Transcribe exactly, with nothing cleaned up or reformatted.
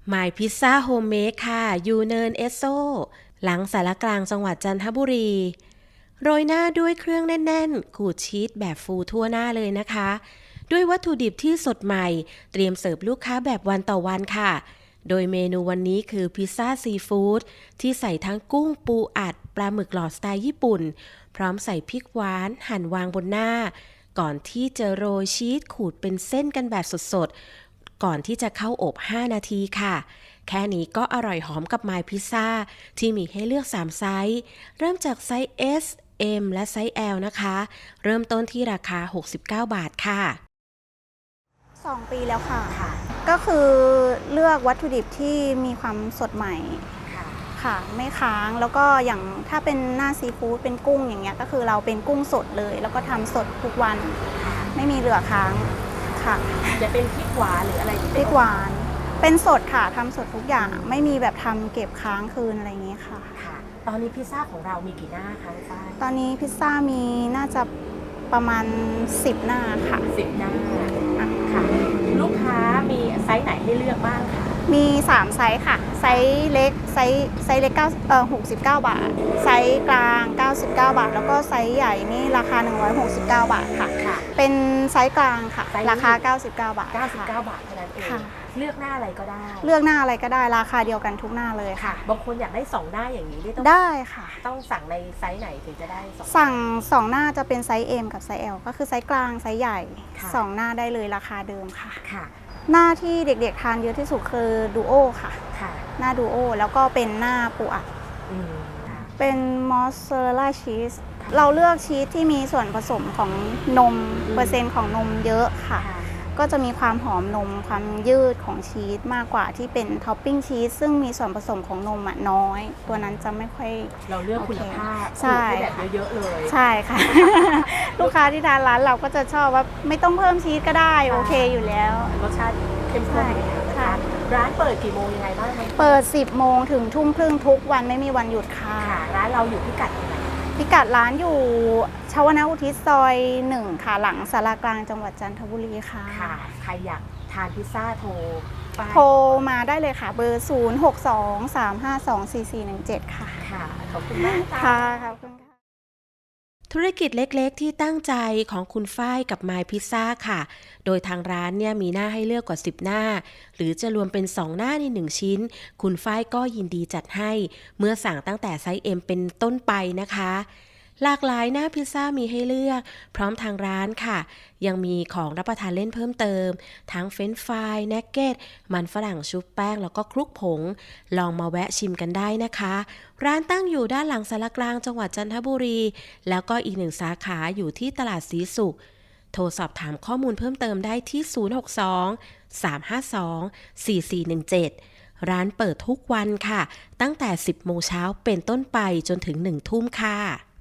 หมายพิซซ่าโฮมเมดค่ะยูเนินเอสโซหลังสารกลางจังหวัดจันทบุรีโรยหน้าด้วยเครื่องแน่นๆขูดชีสแบบฟูทั่วหน้าเลยนะคะด้วยวัตถุดิบที่สดใหม่เตรียมเสิร์ฟลูกค้าแบบวันต่อวันค่ะโดยเมนูวันนี้คือพิซซ่าซีฟู้ดที่ใส่ทั้งกุ้งปูอัดปลาหมึกหลอดสไตล์ญี่ปุ่นพร้อมใส่พริกหวานหั่นวางบนหน้าก่อนที่จะโรยชีสขูดเป็นเส้นกันแบบสดๆก่อนที่จะเข้าอบห้านาทีค่ะแค่นี้ก็อร่อยหอมกับไมล์พิซซ่าที่มีให้เลือกสามไซส์เริ่มจากไซส์ S M และไซส์ L นะคะเริ่มต้นที่ราคาหกสิบเก้าบาทค่ะสองปีแล้วค่ะค่ะก็คือเลือกวัตถุดิบที่มีความสดใหม่ค่ะค่ะไม่ค้างแล้วก็อย่างถ้าเป็นหน้าซีฟู้ดเป็นกุ้งอย่างเงี้ยก็คือเราเป็นกุ้งสดเลยแล้วก็ทำสดทุกวันไม่มีเหลือค้างค่ะจะเป็นพริกหวานหรืออะไรที่พเป็นริกหวานเป็นสดค่ะทำสดทุกอย่างไม่มีแบบทำเก็บค้างคืนอะไรอย่างเงี้ยค่ะค่ะตอนนี้พิซซ่าของเรามีกี่หน้าคะคุณฝ้ายตอนนี้พิซซ่ามีน่าจะประมาณสิบหน้าค่ะสิบหน้าค่ะลูกค้ามีไซส์ไหนให้เลือกบ้างคะมีสามไซส์ค่ะไซส์เล็กไซส์ไซส์เล็กเก้าเอ่อหกสิบเก้าบาทไซส์กลางเก้าสิบเก้าบาทแล้วก็ไซส์ใหญ่นี่ราคาหนึ่งร้อยหกสิบเก้าบาทค่ะค่ะเป็นไซส์กลางค่ะราคาเก้าสิบเก้าบาทเก้าสิบเก้าบาทเท่านั้นเองค่ะเลือกหน้าอะไรก็ได้เลือกหน้าอะไรก็ได้ราคาเดียวกันทุกหน้าเลยค่ะบางคนอยากได้สองหน้าอย่างนี้ได้ต้องได้ค่ะต้องสั่งในไซส์ไหนถึงจะได้สองสั่งสองหน้าจะเป็นไซส์ M กับไซส์ L ก็คือไซส์กลางไซส์ใหญ่ค่ะสองหน้าได้เลยราคาเดิมค่ะค่ะหน้าที่เด็กๆทานเยอะที่สุดคือดูโอค่ะค่ะหน้าดูโอแล้วก็เป็นหน้าปูอัดอืมค่ะเป็นมอสซาเรลล่าชีสเราเลือกชีสที่มีส่วนผสมของนมเปอร์เซ็นต์ของนมเยอะค่ะก็จะมีความหอมนมความยืดของชีสมากกว่าที่เป็นท็อปปิ้งชีสซึ่งมีส่วนผสมของนมอ่ะน้อยตัวนั้นจะไม่ค่อยเราเลือกคุณภาพใช่แบบเยอะๆเลยใช่ค่ะ ลูกค้าที่ทานร้านเราก็จะชอบว่าไม่ต้องเพิ่มชีสก็ได้โอเคอยู่แล้วรสชาติเข้มข้นนะคะร้านเปิดกี่โมงยังไงบ้างคะเปิดสิบโมงถึงทุ่มครึ่งทุกวันไม่มีวันหยุดค่ะร้านเราอยู่พิกัดไหนพิกัดร้านอยู่ชวนอุทิศซอยหนึ่งค่ะหลังสารกลางจังหวัดจันทบุรีค่ะค่ะใครอยากทานพิซซ่าโทรโทรมาได้เลยค่ะเบอร์ศูนย์ หก สอง สาม ห้า สอง สี่ สี่ หนึ่ง เจ็ดค่ะค่ะขอบคุณมากค่ะขอบคุณค่ะธุรกิจเล็กๆที่ตั้งใจของคุณฝ้ายกับไมล์พิซซ่าค่ะโดยทางร้านเนี่ยมีหน้าให้เลือกกว่าสิบหน้าหรือจะรวมเป็นสองหน้าในหนึ่งชิ้นคุณฝ้ายก็ยินดีจัดให้เมื่อสั่งตั้งแต่ไซส์ M เป็นต้นไปนะคะหลากหลายหน้าพิซซ่ามีให้เลือกพร้อมทางร้านค่ะยังมีของรับประทานเล่นเพิ่มเติมทั้งเฟรนช์ฟรายนักเก็ตมันฝรั่งชุบแป้งแล้วก็คลุกผงลองมาแวะชิมกันได้นะคะร้านตั้งอยู่ด้านหลังสารกลางจังหวัดจันทบุรีแล้วก็อีกหนึ่งสาขาอยู่ที่ตลาดศรีสุขโทรสอบถามข้อมูลเพิ่มเติมได้ที่ศูนย์ หก สอง สาม ห้า สอง สี่ สี่ หนึ่ง เจ็ดร้านเปิดทุกวันค่ะตั้งแต่สิบโมงเช้าเป็นต้นไปจนถึงหนึ่งทุ่มค่ะ